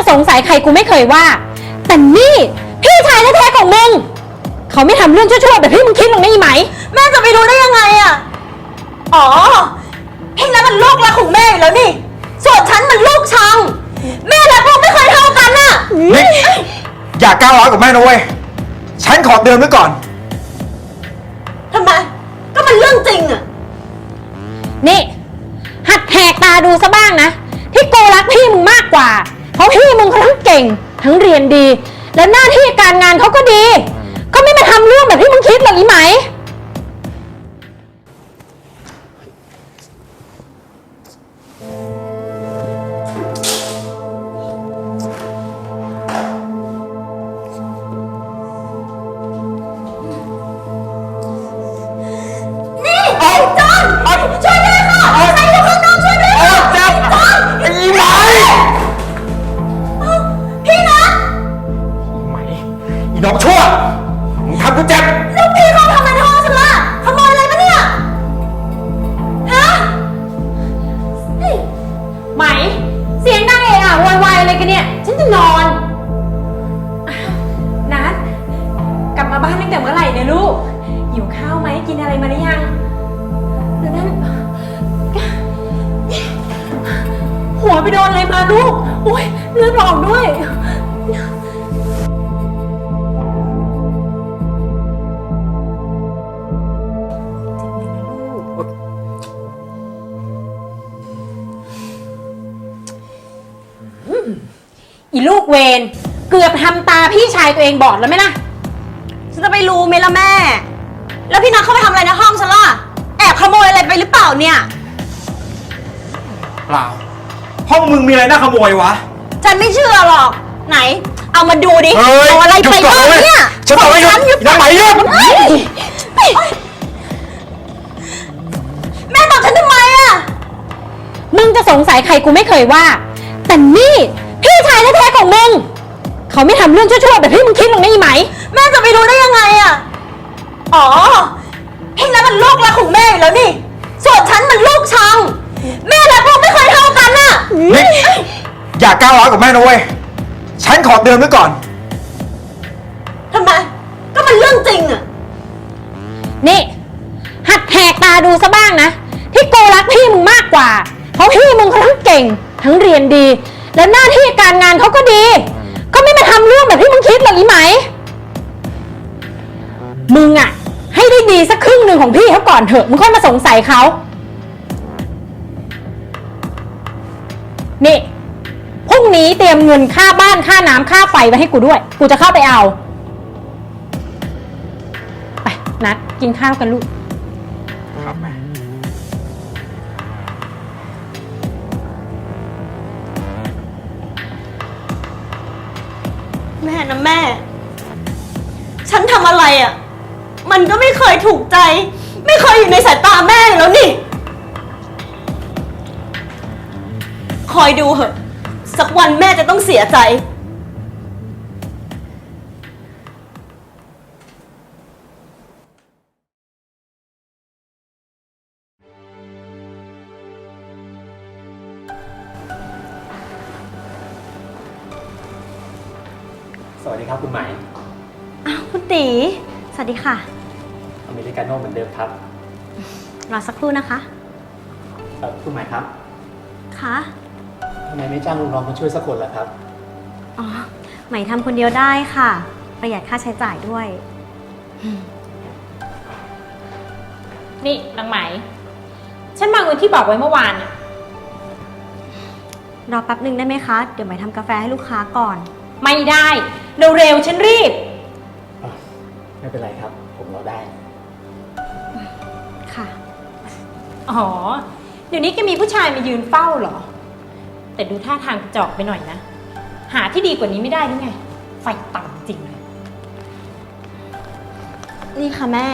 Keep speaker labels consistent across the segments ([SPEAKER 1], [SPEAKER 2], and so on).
[SPEAKER 1] สงสัยใครกูไม่เคยว่าแต่นี่พี่ชายแท้ๆของมึงเขาไม่ทำเรื่องชั่วๆแบบที่มึงคิดหรอกนะอีไหม
[SPEAKER 2] แม่จะไปรู้ได้ยังไงอะอ๋อพี่นั้นมันลูกรักของแม่อยู่แล้วนี่ส่วนฉันมันลูกชังแม่และพ่อไม่เคยเท่ากันน่ะ
[SPEAKER 3] นี่อย่าก้าวร้าวกับแม่นะเว้ยฉันขอเตือนไว้ก่อน
[SPEAKER 2] ทำไมก็มันเรื่องจริงอะ
[SPEAKER 1] นี่หัดแหกตาดูซะบ้างนะที่กูรักพี่มึงมากกว่าเพราะพี่มึงเขาทั้งเก่งทั้งเรียนดีและหน้าที่การงานเขาก็ดีก็ไม่มาทำเรื่องแบบที่มึงคิดหรอกอีไหม
[SPEAKER 3] น้องชั่วมึงทำกูเจ็บ
[SPEAKER 2] ลูกพี่เขาทำอะไรในห้องฉันล่ะขโมยอะไรปะเนี่ยฮะ
[SPEAKER 1] ไหมเสียงดังเอะอะโวยวายอะไรกันเนี่ยฉันจะนอนนัดกลับมาบ้านตั้งแต่เมื่อไหร่เนี่ยลูกหิวข้าวไหมกินอะไรมาหรือยังหรือนั่นหัวไปโดนอะไรมาลูกโอ๊ยเลือดออกด้วยอีลูกเวนเกือบทำตาพี่ชายตัวเองบอดแล้วไหมล่ะ
[SPEAKER 2] ฉันจะไปรู้ไหมล่ะแม่แล้วพี่นัทเข้าไปทำอะไรในห้องฉันล่ะแอบขโมยอะไรไปหรือเปล่าเนี่ย
[SPEAKER 3] เปล่าห้องมึงมีอะไรน่าขโมยวะ
[SPEAKER 2] ฉันไม่เชื่อหรอกไหนเอามาดูดิเอาอะไรไปบ้างเนี่ย
[SPEAKER 3] ฉันบอกให้หยุดยังไหมหยุด
[SPEAKER 2] แม่บอกฉันทำไมอะ
[SPEAKER 1] มึงจะสงสัยใครกูไม่เคยว่าแต่นี่พี่ชายแท้ๆของมึงเขาไม่ทำเรื่องชั่วๆแบบที่มึงคิดหรอกนะอีไหม
[SPEAKER 2] แม่จะไปรู้ได้ยังไงอะอ๋อพี่นั้นมันลูกรักของแม่อยู่แล้วนี่ส่วนฉันมันลูกชังแม่และพ่อไม่เคยเท่ากันน่ะ
[SPEAKER 3] นี่อย่าก้าวร้าวกับแม่นะเว้ยฉันขอเตือนไว้ก่อน
[SPEAKER 2] ทำไมก็มันเรื่องจริงอะ
[SPEAKER 1] นี่หัดแหกตาดูซะบ้างนะที่กูรักพี่มึงมากกว่าเพราะพี่มึงเขาทั้งเก่งทั้งเรียนดีและหน้าที่การงานเขาก็ดีก็ไม่มาทำเรื่องแบบที่มึงคิดหรอกอีไหมมึงอะให้ได้ดีสักครึ่งหนึ่งของพี่เขาก่อนเถอะมึงค่อยมาสงสัยเขานี่พรุ่งนี้เตรียมเงินค่าบ้านค่าน้ำค่าไฟไว้ให้กูด้วยกูจะเข้าไปเอาไปนัดกินข้าวกันลูก
[SPEAKER 3] ครับแม่
[SPEAKER 2] แม่นะแม่ฉันทำอะไรอ่ะมันก็ไม่เคยถูกใจไม่เคยอยู่ในสายตาแม่แล้วนี่คอยดูเหอะสักวันแม่จะต้องเสียใจ
[SPEAKER 4] สวัสดีครับคุณไหม
[SPEAKER 2] อ้าวคุณตีสวัสดีค่ะ
[SPEAKER 4] อเมริกาโน่เหมือนเดิมครับ
[SPEAKER 2] รอสักครู่นะคะ
[SPEAKER 4] คุณไหมครับ
[SPEAKER 2] คะ
[SPEAKER 4] ทำไมไม่จ้างลูกน้องมาช่วยสักคนล่ะครับ
[SPEAKER 2] อ๋อไหมทำคนเดียวได้ค่ะประหยัดค่าใช้จ่ายด้วย
[SPEAKER 1] นี่นางไหมฉันมาเงินที่บอกไว้เมื่อวานอะ
[SPEAKER 2] รอแป๊บนึงได้ไหมคะเดี๋ยวไหมทำกาแฟให้ลูกค้าก่อน
[SPEAKER 1] ไม่ได้เร็วๆฉันรีบ
[SPEAKER 4] ไม่เป็นไรครับผมรอได้
[SPEAKER 2] ค่ะ
[SPEAKER 1] อ๋อเดี๋ยวนี้แกมีผู้ชายมายืนเฝ้าเหรอแต่ดูท่าทางกระจอกไปหน่อยนะหาที่ดีกว่านี้ไม่ได้หรือไงไฟต่ำจริงเลย
[SPEAKER 2] นี่ค่ะแม่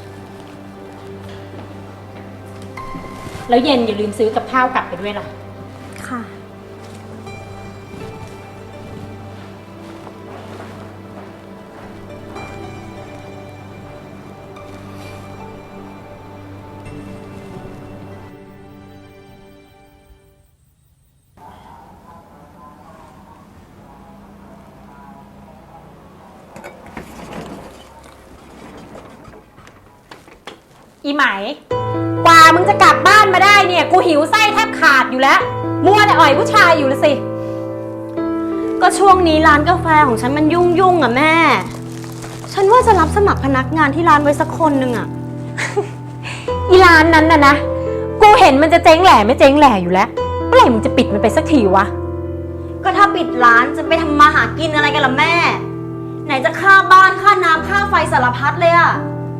[SPEAKER 1] แล้วเย็นอย่าลืมซื้อกับข้าวกลับไปด้วยล่ะ
[SPEAKER 2] ค่ะ
[SPEAKER 1] อีไหม กว่ามึงจะกลับบ้านมาได้เนี่ย กูหิวไส้แทบขาดอยู่แล้ว มัวแต่อ่อยผู้ชายอยู่ละสิ
[SPEAKER 2] ก็ช่วงนี้ร้านกาแฟของฉันมันยุ่งๆอ่ะแม่ ฉันว่าจะรับสมัครพนักงานที่ร้านไว้สักคนหนึ่งอ่ะ
[SPEAKER 1] อีร้านนั้นน่ะนะ กูเห็นมันจะเจ๊งแหล่ไม่เจ๊งแหล่อยู่แล้ว เมื่อไหร่มึงจะปิดมันไปสักทีวะ
[SPEAKER 2] ก็ถ้าปิดร้านจะไปทำมาหากินอะไรกันล่ะแม่ ไหนจะค่าบ้านค่าน้ำค่าไฟสารพัดเลยอ่ะ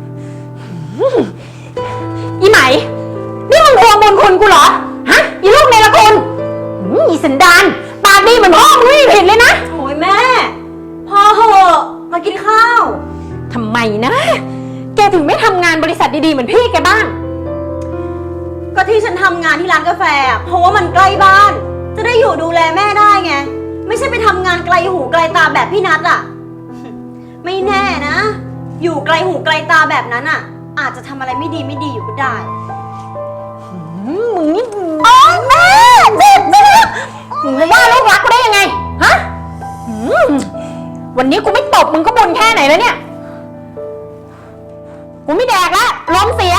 [SPEAKER 1] อีไหม นี่มึงทวงบุญคุณกูเหรอ ฮะ อีลูกในละคุณอีสันดานปากดีเหมือนพ่อมึงไม่มีผิดเลยนะ
[SPEAKER 2] โอ้ยแม่ พอเหอะมากินข้าว
[SPEAKER 1] ทำไมนะ แกถึงไม่ทำงานบริษัทดีๆเหมือนพี่แกบ้าง
[SPEAKER 2] ก็ที่ฉันทำงานที่ร้านกาแฟอะเพราะว่ามันใกล้บ้าน จะได้อยู่ดูแลแม่ได้ไง ไม่ใช่ไปทำงานไกลหูไกลตาแบบพี่นัทอ่ะ ไม่แน่นะ อยู่ไกลหูไกลตาแบบนั้นอ่ะ อาจจะทำอะไรไม่ดีอยู่ก็ได้
[SPEAKER 1] มึงนี่อ๋อแม่เจ็บมึงจะว่าลูกรักกูได้ยังไง ฮะวันนี้กูไม่ตบมึงก็บ่นแค่ไหนแล้วเนี่ย กูไม่แดกละลมเสีย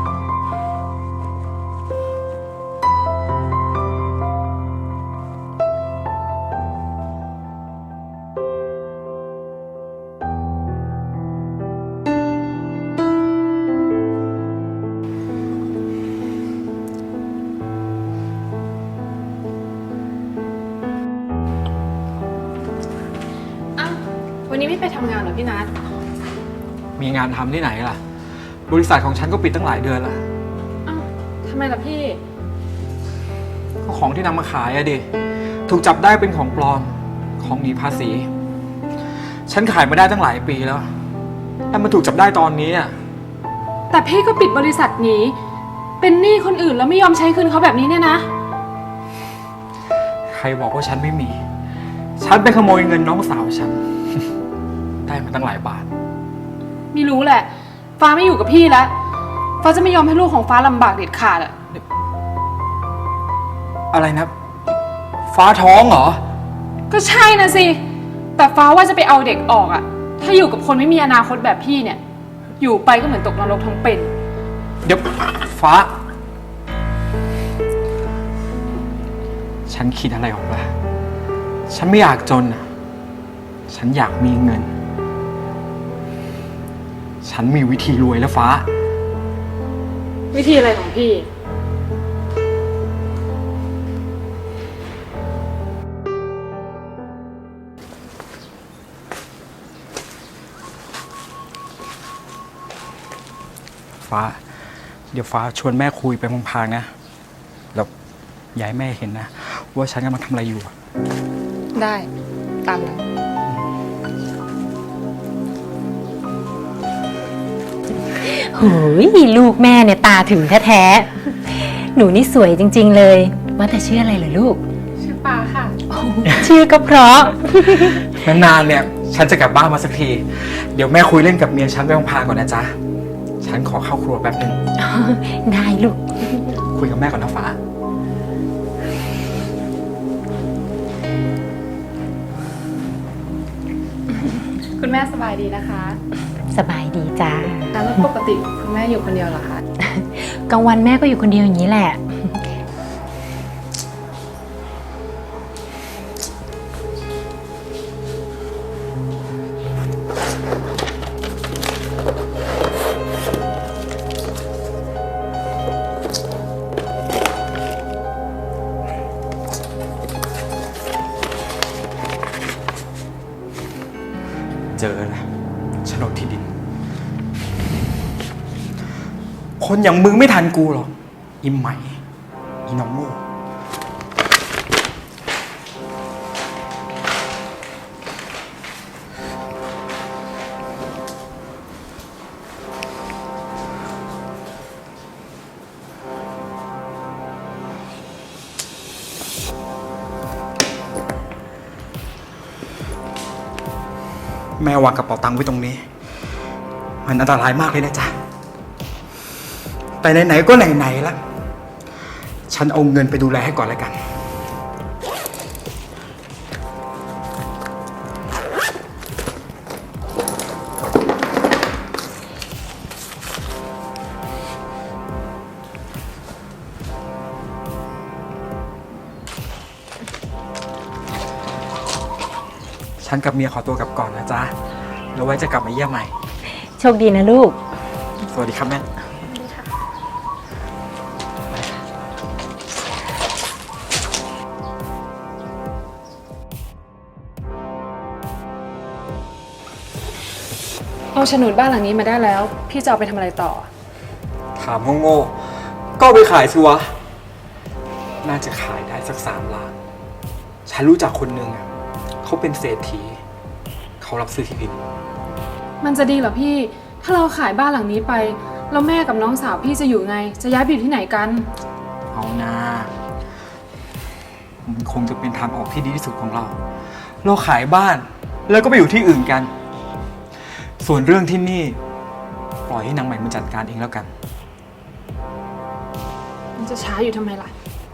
[SPEAKER 5] อ้าววันนี้ไม่ไปทำงานเหรอพี่นัท
[SPEAKER 3] มีงานทำที่ไหนล่ะ บริษัทของฉันก็ปิดตั้งหลายเดือนแล้ว
[SPEAKER 5] อ้าวทำไมล่ะพี่
[SPEAKER 3] ก็ของที่นำมาขายอะดิ ถูกจับได้เป็นของปลอม ของหนีภาษี ฉันขายมาได้ตั้งหลายปีแล้ว แต่มันถูกจับได้ตอนนี้อะ
[SPEAKER 5] แต่พี่ก็ปิดบริษัทหนีเป็นหนี้คนอื่นแล้วไม่ยอมใช้คืนเขาแบบนี้เนี่ยนะ
[SPEAKER 3] ใครบอกว่าฉันไม่มี ฉันไปขโมยเงินน้องสาวฉัน ได้มาตั้งหลายบาท
[SPEAKER 5] ไม่รู้แหละ ฟ้าไม่อยู่กับพี่แล้ว ฟ้าจะไม่ยอมให้ลูกของฟ้าลำบากเด็ดขาดอะ
[SPEAKER 3] อะไรนะ ฟ้าท้องเหรอ
[SPEAKER 5] ก็ใช่นะสิ แต่ฟ้าว่าจะไปเอาเด็กออกอะถ้าอยู่กับคนไม่มีอนาคตแบบพี่เนี่ย อยู่ไปก็เหมือนตกนรกทั้งเป็น
[SPEAKER 3] เดี๋ยวฟ้า ฉันคิดอะไรออกปะฉันไม่อยากจนอะฉันอยากมีเงิน ฉันมีวิธีรวยแล้วฟ้า
[SPEAKER 5] วิธีอะไรของพี่
[SPEAKER 3] ฟ้า เดี๋ยวฟ้าชวนแม่คุยไปพลางๆนะ แล้วอย่าให้แม่เห็นนะ ว่าฉันกำลังทำอะไรอยู่อะ
[SPEAKER 5] ได้ตามนั้น
[SPEAKER 1] โหยลูกแม่เนี่ยตาถึงแท้ๆ หนูนี่สวยจริงๆเลย ว่าแต่ชื่ออะไรเหรอลูก
[SPEAKER 5] ชื่อปาค่ะ
[SPEAKER 1] ชื่อก็เพราะ
[SPEAKER 3] นานๆเนี่ย ฉันจะกลับบ้านมาสักที เดี๋ยวแม่คุยเล่นกับเมียฉันไปพลางๆก่อนนะจ๊ะ ฉันขอเข้าครัวแป๊บนึง
[SPEAKER 1] ได้ลูก
[SPEAKER 3] คุยกับแม่ก่อนนะฟ้า
[SPEAKER 5] คุณแม่สบายดีนะคะ
[SPEAKER 1] สบายดีจ้า
[SPEAKER 5] แล้วปกติคุณแม่อยู่คนเดียวเหรอคะ
[SPEAKER 1] กลางวันแม่ก็อยู่คนเดียวอย่างนี้แหละ
[SPEAKER 3] เจอแล้วโฉนดที่ดิน คนอย่างมึงไม่ทันกูหรอกอีใหม่ อีน้องโง่แม่วางกระเป๋าตังค์ไว้ตรงนี้ มันอันตรายมากเลยนะจ๊ะ แต่ไหนๆก็ไหนๆละฉันเอาเงินไปดูแลให้ก่อนแล้วกันฉันกับเมียขอตัวกลับก่อนนะจ๊ะแล้วไว้จะกลับมาเยี่ยมใหม่
[SPEAKER 1] โชคดีนะลูก
[SPEAKER 3] สวัสดีครับแม่
[SPEAKER 5] เอาโฉนดบ้านหลังนี้มาได้แล้ว พี่จะเอาไปทำอะไรต่อ
[SPEAKER 3] ถามโง่ๆก็เอาไปขายสิวะ น่าจะขายได้สัก3 ล้าน ฉันรู้จักคนหนึ่งอะเขาเป็นเศรษฐี เขารับซื้อที่ดิน
[SPEAKER 5] มันจะดีเหรอพี่ ถ้าเราขายบ้านหลังนี้ไป แล้วแม่กับน้องสาวพี่จะอยู่ไง จะย้ายไปอยู่ที่ไหนกัน
[SPEAKER 3] เอานะมันคงจะเป็นทางออกที่ดีที่สุดของเรา เราขายบ้านแล้วก็ไปอยู่ที่อื่นกัน ส่วนเรื่องที่นี่ ปล่อยให้นางใหม่มันจัดการเองแล้วกัน
[SPEAKER 5] มันจะช้าอยู่ทำไมล่ะ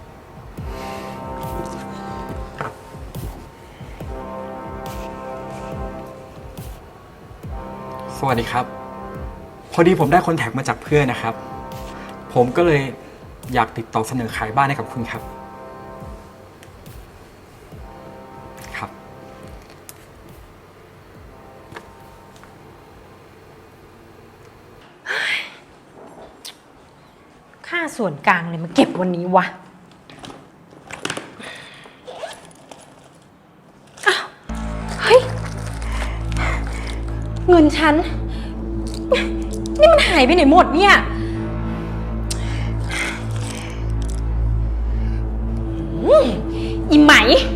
[SPEAKER 3] สวัสดีครับ พอดีผมได้คอนแทคมาจากเพื่อนนะครับ ผมก็เลยอยากติดต่อเสนอขายบ้านให้กับคุณครับ ครับ
[SPEAKER 1] ค่าส่วนกลางเลยมาเก็บวันนี้วะ อ้าว เฮ้ย เงินฉัน นี่มันหายไปไหนหมดเนี่ยอีไหม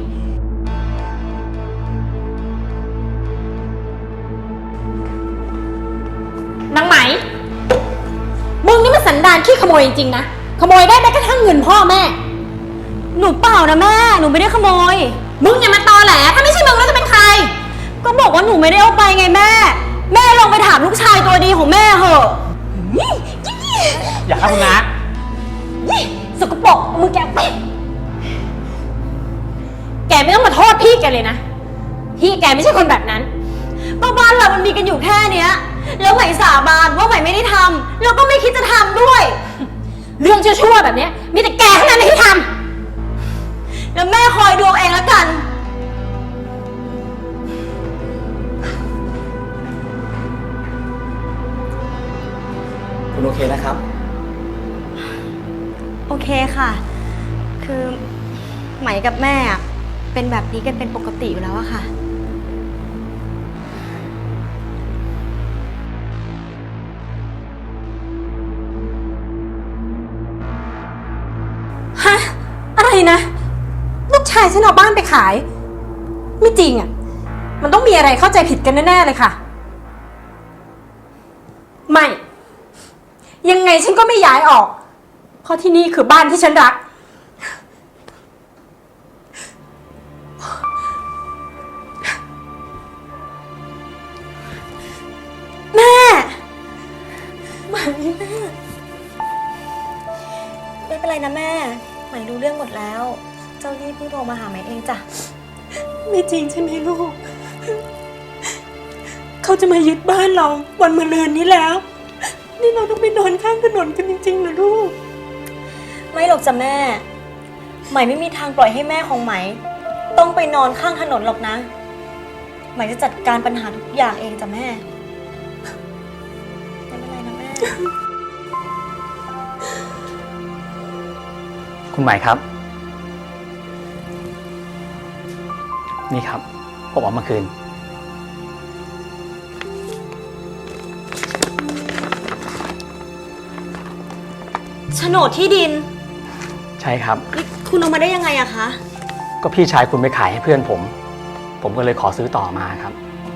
[SPEAKER 1] นางไหม มึงนี่มันสันดานขี้ขโมยจริงๆนะ ขโมยได้แม้กระทั่งเงินพ่อแม่
[SPEAKER 2] หนูเปล่านะแม่ หนูไม่ได้ขโมย
[SPEAKER 1] มึงอย่ามาตอแหล ถ้าไม่ใช่มึงแล้วจะเป็นใคร
[SPEAKER 2] ก็บอกว่าหนูไม่ได้เอาไปไงแม่ แม่ลองไปถามลูกชายตัวดีของแม่เหอะ
[SPEAKER 4] อย่าครับคุณน้า
[SPEAKER 1] ยี่สกปรกมึงแกไปแกไม่ต้องมาโทษพี่แกเลยนะ พี่แกไม่ใช่คนแบบนั้น
[SPEAKER 2] บ้านเรามันมีกันอยู่แค่เนี้ย แล้วใหม่สาบานว่าใหม่ไม่ได้ทำแล้วก็ไม่คิดจะทำด้วย
[SPEAKER 1] เรื่องชั่วๆแบบเนี้ยมีแต่แกเท่านั้นที่ท
[SPEAKER 2] แล้วแม่คอยดูเอาเองแล้วกัน
[SPEAKER 4] คุณโอเคนะครับ
[SPEAKER 2] โอเคค่ะ คือไหมกับแม่อะเป็นแบบนี้กันเป็นปกติอยู่แล้วอะค่ะ
[SPEAKER 1] ำฮะ อะไรนะ ลูกชายฉันเอาบ้านไปขาย ไม่จริงอ่ะ มันต้องมีอะไรเข้าใจผิดกันแน่ๆเลยค่ะ ไม่ ยังไงฉันก็ไม่ย้ายออก เพราะที่นี่คือบ้านที่ฉันรัก
[SPEAKER 2] แม่
[SPEAKER 1] ไม่แม่
[SPEAKER 2] ไม่เป็นไรนะแม่ไหมรู้เรื่องหมดแล้ว เจ้านี่เพิ่งโทรมาหาไหมเองจ้ะ
[SPEAKER 1] ไม่จริงใช่ไหมลูก เขาจะมายึดบ้านเราวันมะรืนนี้แล้ว นี่เราต้องไปนอนข้างถนนกันจริงๆเหรอลูก
[SPEAKER 2] ไม่หรอกจ้ะแม่ ไหมไม่มีทางปล่อยให้แม่ของไหม ต้องไปนอนข้างถนนหรอกนะ ไหมจะจัดการปัญหาทุกอย่างเองจ้ะแม่ ไม่เป็นไรนะแม่
[SPEAKER 4] คุณหมายครับ นี่ครับ ผมเอามาคืน
[SPEAKER 2] โฉนดที่ดิน
[SPEAKER 4] ใช่ครับ
[SPEAKER 2] นี่คุณเอามาได้ยังไงอะคะ
[SPEAKER 4] ก็พี่ชายคุณไปขายให้เพื่อนผม ผมก็เลยขอซื้อต่อมาครับ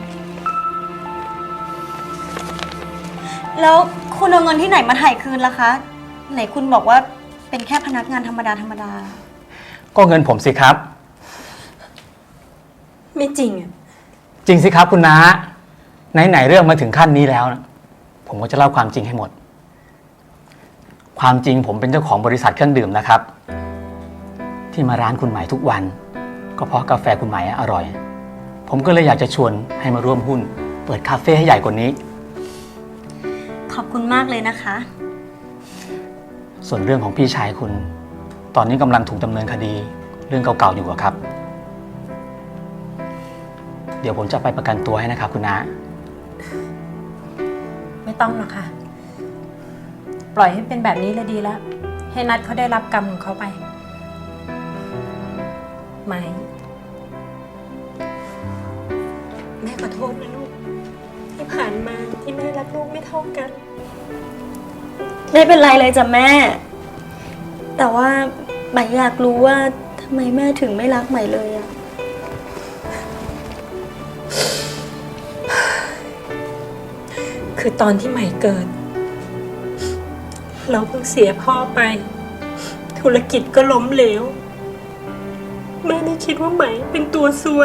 [SPEAKER 2] แล้วคุณเอาเงินที่ไหนมาถ่ายคืนล่ะคะ ไหนคุณบอกว่าเป็นแค่พนักงานธรรมดาธรรมดา
[SPEAKER 4] ก็เงินผมสิครับ
[SPEAKER 1] ไม่จริงอ่ะ
[SPEAKER 4] จริงสิครับคุณน้าไหนๆเรื่องมาถึงขั้นนี้แล้วนะผมก็จะเล่าความจริงให้หมด ความจริงผมเป็นเจ้าของบริษัทเครื่องดื่มนะครับ ที่มาร้านคุณหมายทุกวัน ก็เพราะกาแฟคุณหมายอร่อย ผมก็เลยอยากจะชวนให้มาร่วมหุ้น เปิดคาเฟ่ให้ใหญ่กว่านี้
[SPEAKER 2] ขอบคุณมากเลยนะคะ
[SPEAKER 4] ส่วนเรื่องของพี่ชายคุณ ตอนนี้กำลังถูกดำเนินคดี เรื่องเก่าๆอยู่อะครับเดี๋ยวผมจะไปประกันตัวให้นะครับคุณน้า
[SPEAKER 1] ไม่ต้องหรอกค่ะ ปล่อยให้เป็นแบบนี้เลยดีแล้ว ให้นัดเขาได้รับกรรมของเขาไป ไหม
[SPEAKER 2] แม่ขอโทษนะลูก ที่ผ่านมาที่แม่รักลูกไม่เท่ากัน ไม่เป็นไรเลยจ้ะแม่ แต่ว่าใหม่อยากรู้ว่าทำไมแม่ถึงไม่รักใหม่เลยอะ
[SPEAKER 6] คือตอนที่ใหม่เกิด เราเพิ่งเสียพ่อไป ธุรกิจก็ล้มเหลว แม่ไม่คิดว่าใหม่เป็นตัวซวย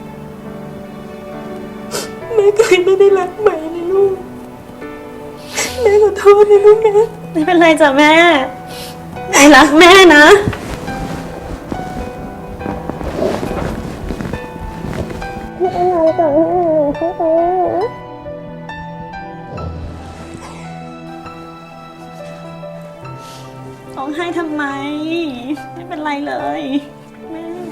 [SPEAKER 6] แม่ก็เลยไม่ได้รักใหม่เลยลูก แม่ขอโทษนะลูกนะ
[SPEAKER 2] ไม่เป็นไรจ้ะแม่ใหม่รักแม่นะ ร้องไห้ทำไม ไม่เป็นไรเลย แม่